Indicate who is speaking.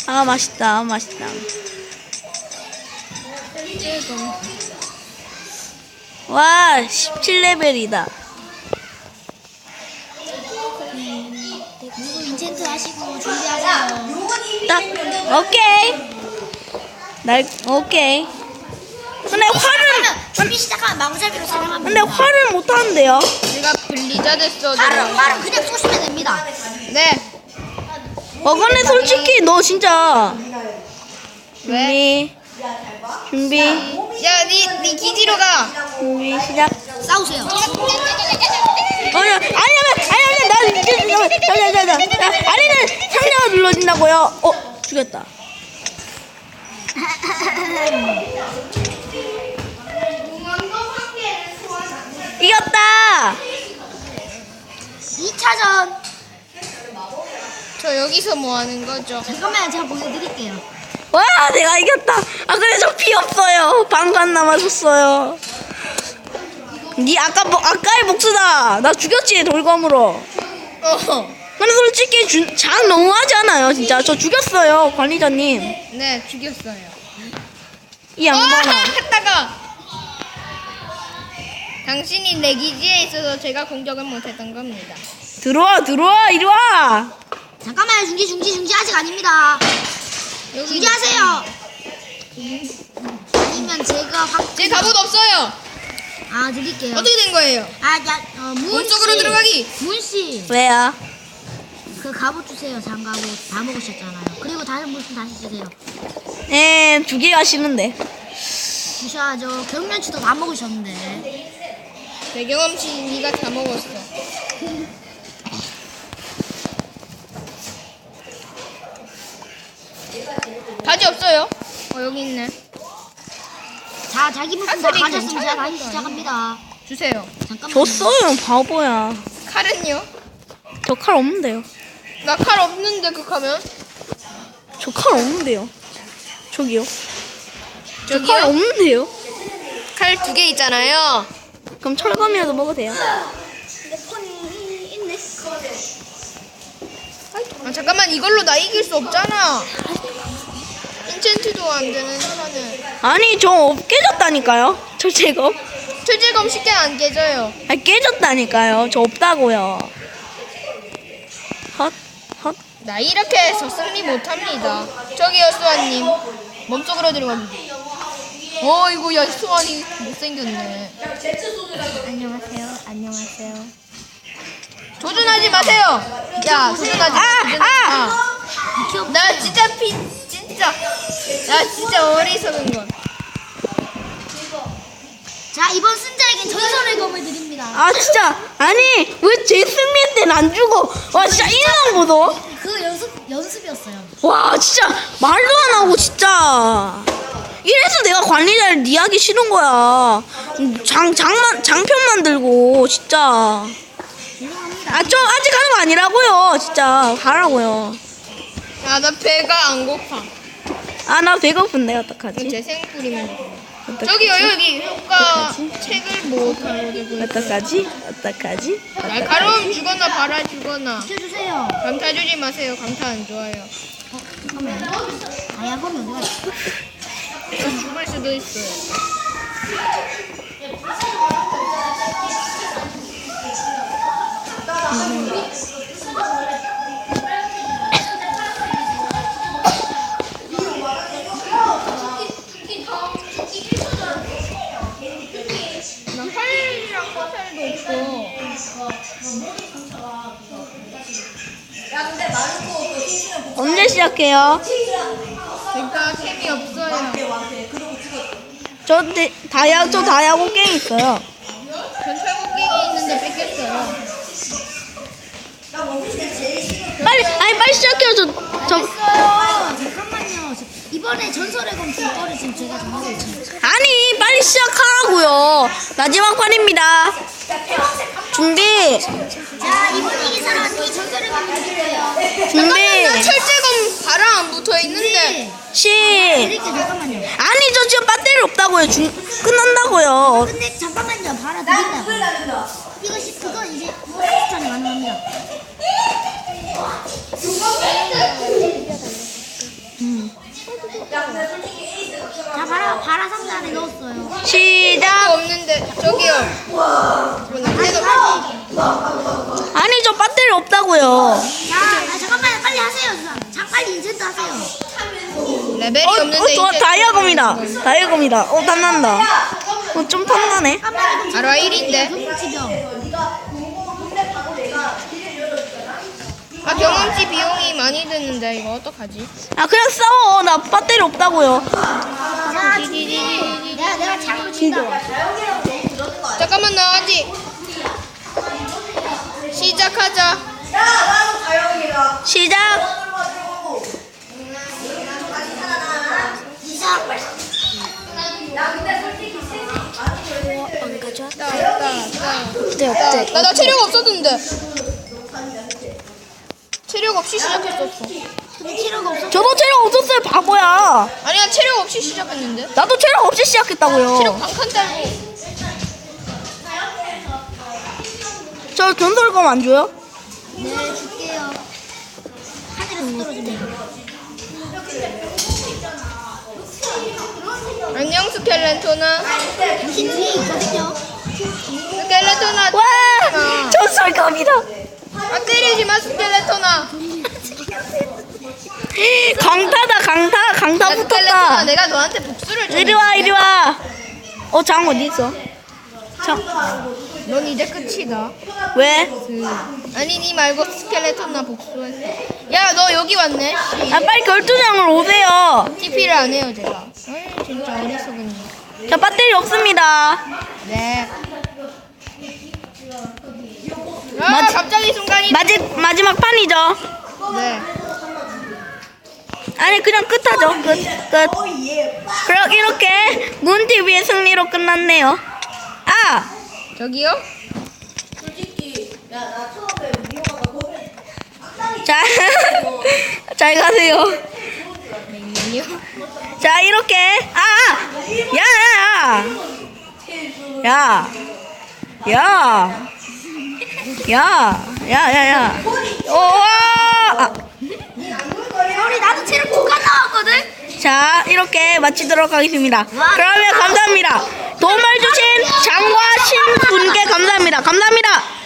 Speaker 1: 아, 맛있다. 맛있다. 와, 17레벨이다.
Speaker 2: 인챈트 하시고 준비하세요.
Speaker 1: 딱, 오케이. 오케이. 근데
Speaker 2: 준비 시작하면 마구잡이로 사용합니다.
Speaker 1: 근데 화를 못 하는데요.
Speaker 3: 제가 블리자드 써줘.
Speaker 2: 활은 그냥 쏘시면 됩니다.
Speaker 3: 네.
Speaker 1: 근데 솔직히 너 진짜.
Speaker 3: 왜?
Speaker 1: 준비,
Speaker 3: 야, 니 기지로 가.
Speaker 1: 준비, 시작.
Speaker 2: 싸우세요.
Speaker 1: 아니야, 나 아니는 상자가 눌러진다고요. 죽였다. 이겼다.
Speaker 2: 2차전.
Speaker 3: 저 여기서 뭐 하는 거죠?
Speaker 2: 잠깐만요, 제가 보여드릴게요.
Speaker 1: 와, 내가 이겼다. 그래, 저 피 없어요. 반간 남았었어요. 니 아까의 복수다. 나 죽였지, 돌검으로. 근데 솔직히 장 너무하지 않아요, 진짜. 저 죽였어요, 관리자님.
Speaker 3: 네, 죽였어요.
Speaker 1: 이 양반아.
Speaker 3: 했다가 당신이 내 기지에 있어서 제가 공격을 못했던 겁니다.
Speaker 1: 들어와, 이리 와.
Speaker 2: 잠깐만요, 중지 아직 아닙니다.
Speaker 3: 여기
Speaker 2: 준비하세요. 아니면 제가
Speaker 3: 제 갑옷 없어요.
Speaker 2: 드릴게요.
Speaker 3: 어떻게 된 거예요? 몸속으로 들어가기.
Speaker 2: 문씨,
Speaker 1: 왜요?
Speaker 2: 그 갑옷 주세요. 장갑옷 다 먹으셨잖아요. 그리고 다른 물품 다시 주세요.
Speaker 1: 네, 2개가 싫은데.
Speaker 2: 주셔야죠. 경련치도 다 먹으셨는데.
Speaker 3: 배경음치 니가 다 먹었어. 바지 없어요? 여기 있네.
Speaker 2: 자, 자기 물품 다
Speaker 3: 사슬이
Speaker 2: 가졌으면 제가
Speaker 3: 괜찮은
Speaker 2: 다시
Speaker 3: 거
Speaker 2: 시작합니다.
Speaker 3: 주세요.
Speaker 2: 잠깐만요.
Speaker 1: 줬어요, 바보야.
Speaker 3: 칼은요?
Speaker 1: 저 칼 없는데요.
Speaker 3: 나 칼 없는데 극하면?
Speaker 1: 저 칼 없는데요. 저기요. 저 칼
Speaker 3: 저기요?
Speaker 1: 없는데요.
Speaker 3: 칼 2개 있잖아요.
Speaker 1: 그럼 철검이라도 먹어도 돼요.
Speaker 3: 잠깐만, 이걸로 나 이길 수 없잖아. 인챈트도 안 되는 판을.
Speaker 1: 아니, 저 깨졌다니까요. 저 제거.
Speaker 3: 철제검 쉽게 안 깨져요.
Speaker 1: 깨졌다니까요. 저 없다고요. 헛.
Speaker 3: 나 이렇게 해서 승리 못합니다. 저기요, 수아님. 몸속으로 들어갑니다. 이거 야, 수아니 못생겼네.
Speaker 2: 안녕하세요.
Speaker 3: 조준하지 마세요. 야, 조준하지 마. 나 진짜 나 진짜 어리석은 건.
Speaker 2: 자, 이번 승자에겐 전설의 검을 드립니다.
Speaker 1: 진짜. 아니, 왜 제 승리 때는 안 죽어? 와, 진짜 인상 보소.
Speaker 2: 그 연습이었어요.
Speaker 1: 와, 진짜 말도 안 하고 진짜. 이래서 내가 관리자를 니하기 싫은 거야. 장편 만들고 진짜. 좀 아직 하는 거 아니라고요. 진짜 하라고요.
Speaker 3: 야, 나 배가 안 고파.
Speaker 1: 나 배고픈데 어떡하지?
Speaker 3: 재생 뿌리면 돼. 저기요, 여기 효과 책을 못 가지고.
Speaker 1: 어떡하지?
Speaker 3: 날카로움 주거나 발아 주거나.
Speaker 2: 시켜주세요.
Speaker 3: 강타 주지 마세요. 강타 안 좋아요.
Speaker 2: 잠깐만요. 다이아검이 어디가 있어?
Speaker 3: 죽을 수도 있어요. 나 활이랑 화살도 없어.
Speaker 1: 언제 시작해요?
Speaker 3: 그러니까 캠이 없어요.
Speaker 1: 저 다이아고 게임 있어요.
Speaker 3: 전 철곡갱이 있는데 뺏겼어요.
Speaker 1: 빨리 시작해요.
Speaker 2: 잠깐만요. 이번에 전설의 검 줄 거를 지금 제가 정하고 있잖아요.
Speaker 1: 아니, 빨리 시작하라고요. 마지막 판입니다. 준비.
Speaker 2: 자, 이번 이긴 사람이 전설의 검을 드릴 거예요.
Speaker 1: 준비.
Speaker 3: 나 철제검 발랑 안 붙어 있는데.
Speaker 1: 시.
Speaker 2: 잠깐만요.
Speaker 1: 아니, 저 지금 배터리 없다고요. 끝난다고요.
Speaker 2: 근데 잠깐만요. 바로 드린다고. 그거 이제 추천이 가능합니다. 파란 상자 안에 넣었어요.
Speaker 1: 시작.
Speaker 3: 없는데 저기요.
Speaker 1: 아니 저 배터리 없다고요.
Speaker 2: 잠깐만 빨리 하세요. 빨리 인챈트 하세요.
Speaker 3: 레벨이 없는데
Speaker 1: 저
Speaker 3: 이제
Speaker 1: 다이아검이다. 다이아검이다. 탐난다. 좀 탐나네.
Speaker 3: 알아 1인데. 아 경험치 비용이 많이 드는데 이거 어떡하지?
Speaker 1: 아 그냥 싸워. 나 배터리 없다고요.
Speaker 2: 내가 장을 친다.
Speaker 3: 잠깐만 나 아직 시작하자.
Speaker 1: 시작.
Speaker 3: 나 체력 없었는데. 체력 없이 시작했었어.
Speaker 2: 근데 치료가 없어.
Speaker 1: 저도 체력 없었어요. 바보야.
Speaker 3: 아니야 체력 없이 시작했는데.
Speaker 1: 나도 체력 없이 시작했다고요.
Speaker 3: 체력 반칸 달고.
Speaker 1: 저 전설검 안 줘요?
Speaker 2: 네 줄게요. 하늘에서 떨어지네.
Speaker 3: 안녕 스켈레토나.
Speaker 2: 당신 뒤에 있거든요.
Speaker 3: 스켈레토나.
Speaker 1: 와 전설검이다.
Speaker 3: 아 때리지 마 스켈레토나.
Speaker 1: 강타다 강타. 강타
Speaker 3: 스켈레토나
Speaker 1: 붙었다.
Speaker 3: 내가 너한테 복수를 좀
Speaker 1: 이리 와
Speaker 3: 해줄게.
Speaker 1: 이리 와. 장 어디 있어?
Speaker 3: 넌 이제 끝이다.
Speaker 1: 왜?
Speaker 3: 아니 니 말고 스켈레톤나 복수했어. 야 너 여기 왔네.
Speaker 1: 아 빨리 결투장을 오세요.
Speaker 3: TP를 안 해요 제가. 아이 진짜 어리석은.
Speaker 1: 자 배터리 없습니다.
Speaker 3: 네. 아 갑자기 순간이.
Speaker 1: 마지막 판이죠.
Speaker 3: 네.
Speaker 1: 아니 그냥 끝하죠. 끝. 그럼 이렇게 문TV의 승리로 끝났네요. 아!
Speaker 3: 저기요?
Speaker 1: 자, 잘 가세요.
Speaker 3: 아니요.
Speaker 1: 자 이렇게 야야야 오와
Speaker 2: 우리 나도 체력 2칸 나왔거든.
Speaker 1: 자 이렇게 마치도록 하겠습니다. 그러면 감사합니다. 도움을 주신 장과 신분께 감사합니다.